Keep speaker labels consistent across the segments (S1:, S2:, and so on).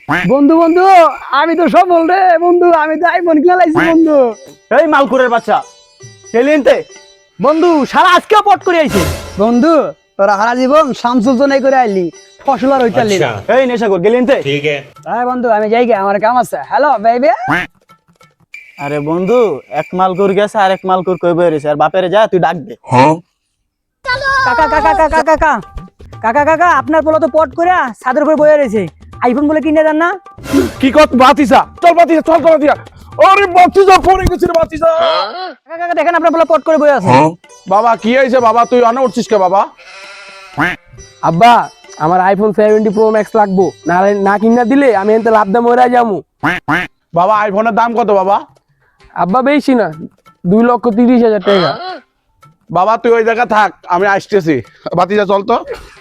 S1: বন্ধু বন্ধু আমি তো সব বল রে বন্ধু, আমি তো আইফোন কিনা লাইছি বন্ধু।
S2: এই মালকুরের বাচ্চা এলিয়েনতে বন্ধু সারা আজকেও পট করে আইছে।
S1: বন্ধু তোরা হারা জীবন শামসুল জনাই করে আইলি, ফসল আর হইতালি।
S2: এই নেশাখোর গেলিয়েনতে
S3: ठीक है।
S1: হ্যাঁ বন্ধু আমি যাই গে, আমার কাম আছে। Hello baby.
S2: আরে বন্ধু এক মালকুর গেছে আর এক মালকুর কই বই রইছে, আর বাপেরে যা তুই ডাক দে।
S1: কাকা কাকা কাকা কাকা কাকা কাকা আপনার পোলা তো পট করে ছাদের উপরে বয়ে রয়েছে, আইফোন বলে কিনে দেন না?
S4: কি কত বাতিসা, চল বাতিসা, চল চল বাতিসা। আরে বাতিসা পড়ে গেছে রে বাতিসা।
S1: কাকা কাকা দেখেন আপনার পোলা পট করে বয়ে আছে।
S4: বাবা কি হইছে বাবা, তুই আনা উঠছিস কে বাবা?
S5: আব্বা আমার আইফোন 70 প্রো ম্যাক্স লাগবো, নাহলে না কিনা দিলে আমি এতে লাভ দাম মরে যাবো।
S4: বাবা আইফোনের দাম কত বাবা?
S5: আব্বা বেশি না, 2,30,000 টাকা।
S4: বাবা তুই ওই জায়গা থাক, আমি আসতেছি। বাতিসা চল তো।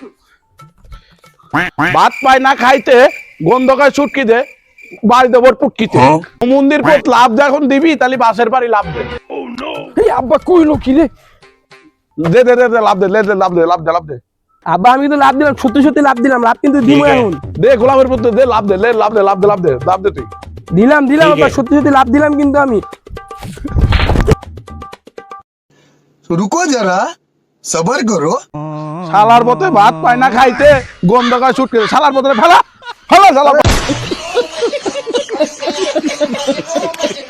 S4: ভাত পায় না খাইতে, গন্ধকায় ছুটকি দে, বাড়িতে ভোর পুটকিতে। মন্দির পথ লাভ যখন দিবি তাহলে বাসের বাড়ি লাভ দে।
S5: এই আব্বা কইলো কি রে?
S4: দে দে দে দে, লাভ দে, লাভ দে, লাভ দে, লাভ দে।
S5: আব্বা আমি তো লাভ দিলাম, সত্যি সত্যি লাভ দিলাম, লাভ কিন্তু দিব এখন।
S4: দে গোলাপের পুত্র দে, লাভ দে, লাভ দে, লাভ দে, লাভ দে, লাভ দে তুই।
S5: দিলাম আব্বা, সত্যি সত্যি লাভ দিলাম কিন্তু আমি।
S6: रुको जरा सबर करो।
S4: শালার পথে ভাত পায় না খাইতে, গন্ধকায় ছুটকি দে, শালার পথে ফেলা ফেলা শালা।